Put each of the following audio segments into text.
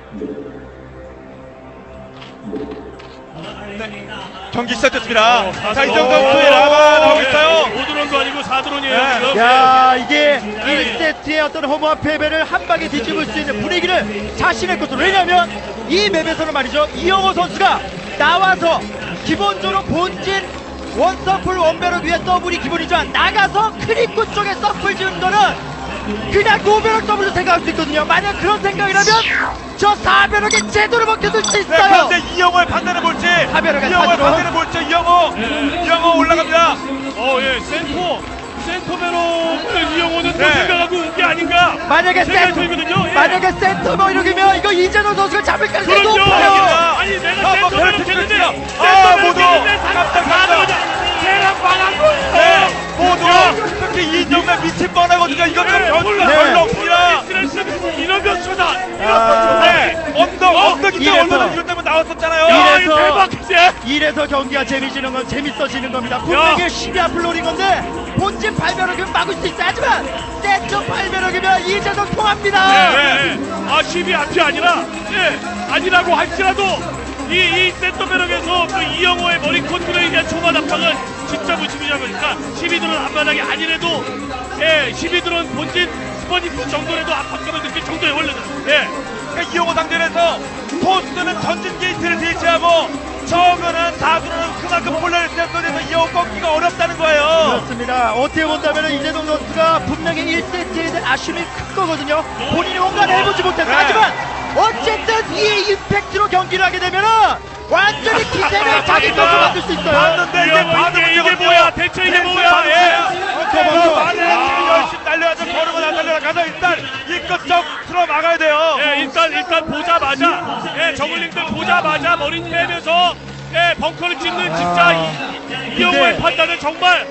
네. 경기 시작됐습니다. 자, 이정도 오, 선수의 라바 나오고 있어요. 5드론도 아니고 4드론이에요. 네. 야, 이게 1세트의 어떤 허무한 패배를 한 방에 뒤집을 수 있는 분위기를 자신의 것으로. 왜냐면 이 맵에서는 말이죠, 이영호 선수가 나와서 기본적으로 본진 원서플 원배럭 위에 더블이 기본이지만 나가서 크리쿠 쪽에 서플 지은 거는 그냥 노배럭 더블로 생각할 수 있거든요. 만약 그런 생각이라면 저 4배럭이 제대로 먹혀줄 수 네, 있어요. 그런데 이영호의 판단을 볼지. 하베르가 이영호의 사주로. 판단을 볼지. 이영호 올라갑니다. 예, 센터배로 이영호는 또 네. 생각하고 온 게 아닌가. 만약에 생각이 들거든요. 예. 만약에 센터 뭐 이러면 이거 이재동 선수가 잡을 가능성이 그렇죠. 높아요. 아니 내가 뭐 센터배로 그렇게 했는데 됐죠. 센터배로 모두 했는데 깜짝 놀랐어요. 계란 반한 거예요. 네, 모두 특히 이정면 미칠 뻔하거든요. 이건 좀 변수가 네. 별로 없습니다. 이런 변수다. 네, 언덕 이때 이래서. 얼마나 이것 때문에 나왔었잖아요. 야, 이래서- 이거 대박이지. 이래서 경기가 재밌어지는 겁니다. 분명히 12화 플로린 건데 본진 8배럭이면 막을 수 있어. 하지만 센터 8배럭이면 이재동 통합니다. 네. 아 10이 앞이 아니라 아니라고 할지라도 이 센터배럭에서 그 이영호의 머리 컨트롤에 대한 초반 압박은 진짜 무심이자 보니까 12드론 앞바닥이 아니래도 12드론 본진 스퍼니프 정도라도 압박감을 느낄 정도의 원래는 그러니까 이영호 상대에서 포스트는 전진 게이트를 대체하고 저거는 다수는 그만큼 폴라를 세서에서 이영호 꺾기가 어렵다는 거예요. 그렇습니다. 어떻게 본다면 이재동 선수가 분명히 1세트에 대한 아쉬움이 큰 거거든요. 본인이 뭔가를 해보지 못했어. 네. 하지만 어쨌든 이 임팩트로 경기를 하게 되면은 완전히 기세를 자기 것으로 만들 수 있어요. 봤는데 이게 반응을 이게 뭐야? 대체 이게 뭐야? 많은 팀이 열심히 달려야죠. 걸으면 안 달려라. 가서 일단 이껏 적으로 막아야 돼요. 일단 보자마자 저글링들 보자마자 머리 빼면서 벙커를 찍는 진짜 이영호의 판단은 정말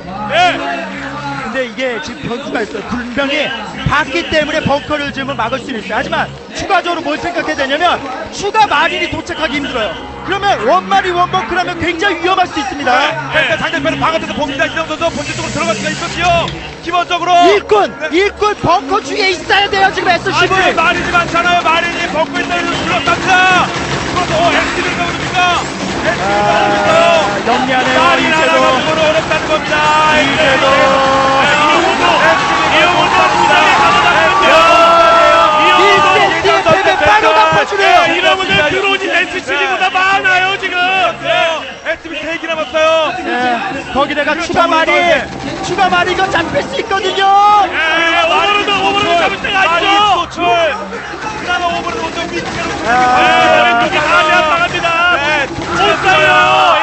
근데 이게 지금 변수가 있어요. 분명히 봤기 때문에 벙커를 지으면 막을 수는 있어요. 하지만 추가적으로 뭘 생각해야 되냐면 추가 마린이 도착하기 힘들어요. 그러면 원마리 원벙크라면 굉장히 위험할 수 있습니다. 그러니까 상대편은 방어돼서 봅니다. 이정 선수 본진 쪽으로 들어갈 수가 있거든요. 기본적으로 일꾼 벙커 주위에 있어야 돼요. 지금 아니 SCV. 마린이 많잖아요. 마린이 벙커 있다고 둘러쌉니다. 그래서 SCV가 오릅니까? SCV가 오고 있어요. 영리하네요. 마린 하나가 이재동. 그걸 어렵다는 겁니다. 이재동. 일세트의 패배 바로 갚아주네요. 이러면은 드론이 SCV보다 많아요 지금. SCV 3개 남았어요. 거기다가 추가 말이 이거 잡힐 수 있거든요. 오버로드 잡을 때가 아니죠. 노출. 그나마 오버로드 먼저 밑으로. 왼쪽이 하면 나갑니다. 네, 못 가요.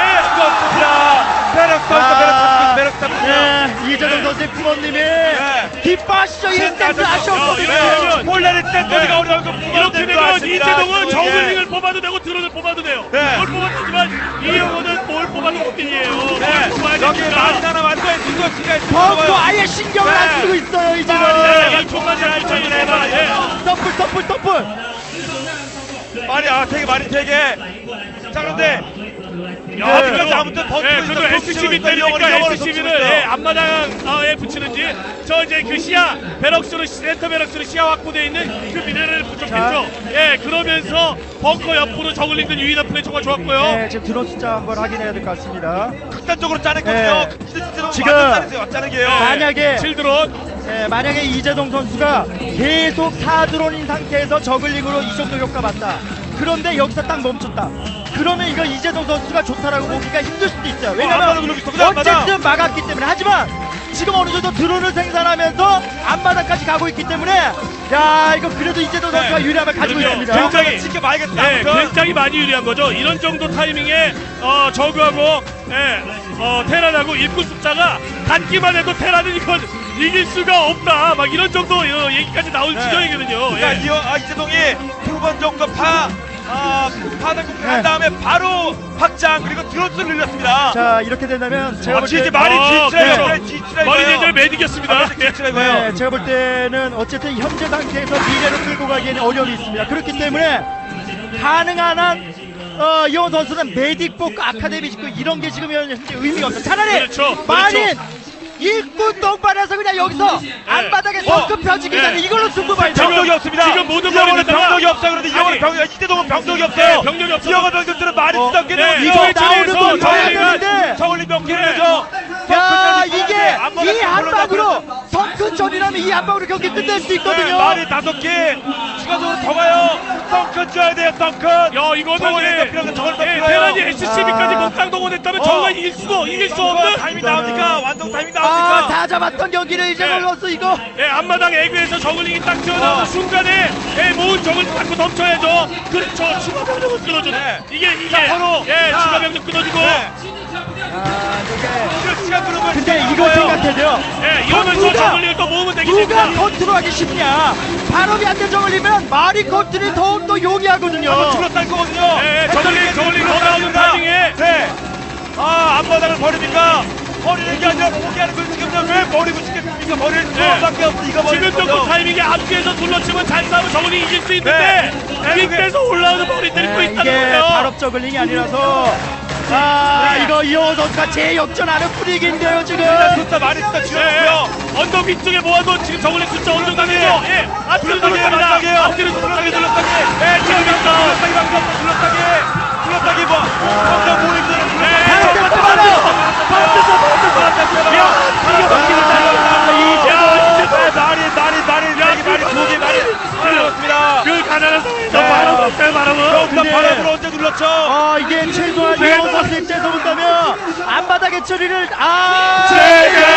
배럭 이재동 선수의 부모님이 기뻐하시죠. 1세트 아쉬웠거든요. 폴라를 센터리가 어려운 거 이렇게 되면 이재동은 저글링을 뽑아도 되고 드론을 뽑아도 돼요. 네. 뭘 뽑았지만 이영호는 뭘 뽑아도 못이에요. 여기 많이 하나 완전히 누가 시간 벙커 아예 신경을 안 쓰고 있어요. 이제는 이 총만 잘 붙여주네. 더블. 되게 자 그런데 그래도 아무튼 버티고 그래도 있어. SCV 때리니까 SCV를 앞마당에 붙이는지 저 이제 그 시야 베럭스로 센터 베럭스로 시야 확보되어 있는 그 미네랄을 부족했죠. 그러면서 벙커 옆으로 저글링들 유인한 플레이 정말 좋았고요. 네, 지금 드론 숫자 한번 확인해야 될 것 같습니다. 극단적으로 짜냈거든요. 지금 짜내게요. 만약에 7드론 만약에 이재동 선수가 계속 4드론인 상태에서 저글링으로 이 정도 효과 봤다. 그런데 여기서 딱 멈췄다. 그러면 이거 이재동 선수가 좋다라고 보기가 힘들 수도 있어요. 왜냐면 어쨌든 막았기 때문에. 하지만 지금 어느 정도 드론을 생산하면서 앞마당까지 가고 있기 때문에 야 이거 그래도 이재동 선수가 유리함을 가지고 있습니다. 굉장히 지켜봐야겠다. 굉장히 많이 유리한 거죠. 이런 정도 타이밍에 저그하고 테란하고 입구 숫자가 같기만 해도 테란은 이건 이길 수가 없다. 막 이런 정도 얘기까지 나올 지경이거든요. 그러니까 이재동이 두 번 정도 파단국을 한 다음에 바로 확장 그리고 드론수를 늘렸습니다. 자 이렇게 된다면 제가 볼 진짜 때 말이 머리 대절 매디겼습니다. 네, 제가 볼 때는 어쨌든 현재 상태에서 미래로 끌고 가기에는 어려움이 있습니다. 그렇기 때문에 가능한 한 이원 선수는 메딕 뽑고 아카데미 짓고 이런 게 지금 현재 의미가 없어요. 차라리 그렇죠. 마린 일꾼 똥발에서 그냥 여기서 앞바닥에 성급 펴지기 전에 이걸로 승부 봐야죠. 병력이 없습니다. 지금 모든 이영호는 머리에다가 병력이 없어요. 그런데 이영호는 이대동은 병력이 네, 없어요. 병력이 없어요. 이영호 병력들은 많이 쓰던 게 네, 이거 나오는 거 저울링 봐야 되는데. 저울링 몇 개를 네. 내죠. 야, 이게 이 한방으로 성큰전이라면 이 한방으로 경기 끝낼 수 있거든요. 말이 5개 추가적으로 더 가요. 덩큰 줘야 돼요. 덩큰. 야, 이거는 저울링 더 필요해. 저울링 더 필요해요. 테란이 SCB까지 목강 동원했다면 정말 이길 수 없는 타이밍 나옵니까? 완성 타이밍 아, 나옵니까? 다 잡았던 경기를 이제 네. 걸렸어 이거. 앞마당 에그에서 저글링이 딱 튀어나오는 순간에 모은 적을 받고 덮쳐야죠. 그렇죠. 추가 병력을 끊어줘. 네. 이게 자, 서로. 자. 추가 병력 끊어주고. 네. 아, 이게. 그 시간 그러면 근데 이거 생각해야 이러면서 누가- 저글링을 또 모으면 되기 누가 때문에. 컨트롤하기 쉽냐? 발업이 안 된 저걸리면 말이 컨트롤이 더욱더 용이하거든요. 줄었다는 거거든요. 네, 저글링 더 나오는 타이밍에. 네. 아, 앞바닥을 버립니까? 버리는 게 아니라 포기하는 걸 지금 왜 버리고 싶겠습니까? 버릴 수밖에 없어. 이거 버리는 지금 거죠. 또 타이밍에 앞뒤에서 둘러치면 잘 싸우면 저글링이 이길 수 있는데 밑에서 올라오는 머리들이 또 있다는 이게 거예요. 발업 저글링이 아니라서 아, 이거 이호호 선수가 재역전하는 분위기인데요 지금. 숫자 많이 숫자 줄였고요. 언덕 위쪽에 모아도 지금 저글링 숫자 어느 정도 되죠? 앞뒤로 둘러싸기, 둘러쌉니다. 앞뒤로 둘러싸기, 둘러쌉니다. 지금 둘러싸기 방금 둘러싸기 뭐 방금 모이는 그 가난한 상황에서 바람은 언제 눌렀죠? 아, 이게 최소한 이호호 선수의 입장에서 본다면 앞바닥의 처리를 세계